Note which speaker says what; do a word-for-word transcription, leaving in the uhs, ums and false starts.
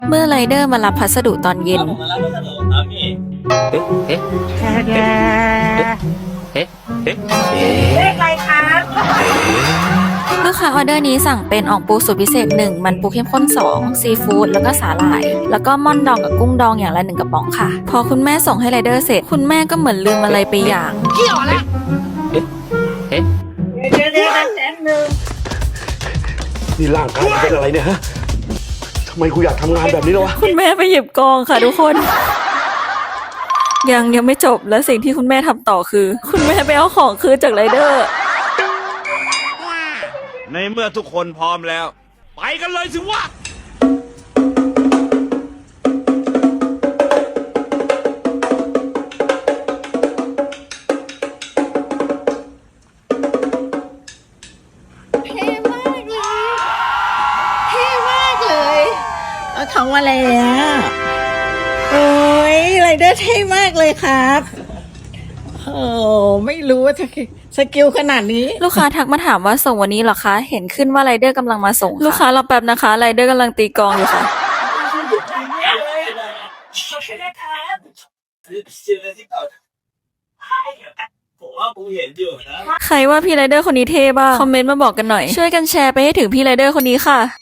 Speaker 1: เมื่อไรเดอร์มารับพัสดุตอนเย็น
Speaker 2: มารับพัสดุครับพี่เอ๊ะเอ๊ะเอ๊ะเอ๊ะเอ๊ะเลขอะไรครับ
Speaker 1: ลูกค้าออเดอร์นี้สั่งเป็นอ่องปูสูตรพิเศษหนึ่งมันปูเข้มข้นสองซีฟู้ดแล้วก็สาหร่าย แล้วก็ม่อนดองกับกุ้งดองอย่างละหนึ่งกระป๋องค่ะ พอคุณแม่ส่งให้ไรเดอร์เสร็จคุณแม่ก็เหมือนลืมอะไรไปอย่าง
Speaker 2: เกี่ยวละเอ๊ะเอ๊ะเดี๋ยวเดี๋ยวแป๊บนึง
Speaker 3: นี่ร่างกายมันเป็นอะไรเนี่ยฮะทำไมกูอยากทำงานแบบนี้แล้ววะ
Speaker 1: คุณแม่ไปหยิบกองค่ะทุกคน ยังยังไม่จบและสิ่งที่คุณแม่ทำต่อคือ คุณแม่ไปเอาของคืนจากไรเดอร์
Speaker 4: ในเมื่อทุกคนพร้อมแล้ว ไปกันเลยสิวะ
Speaker 5: เท่มากเลย เท่มากเลยเอาทำอะไรอ่ะโอ้ยไรเดอร์เท่มากเลยครับโอ้ไม่รู้ว่าจะสกิลขนาดนี้
Speaker 1: ลูกค้าทักมาถามว่าส่งวันนี้เหรอคะ เห็นขึ้นว่าไรเดอร์กำลังมาส่ง ลูกค้ารอแป๊บนะคะไรเดอร์กำลังตีกลองอยู่ค่ะ
Speaker 2: ผมว่ากูเห็นอยู่นะ
Speaker 1: ใครว่าพี่ไรเดอร์คนนี้เท่บ้างคอมเมนต์มาบอกกันหน่อย ช่วยกันแชร์ไปให้ถึงพี่ไรเดอร์คนนี้ค่ะ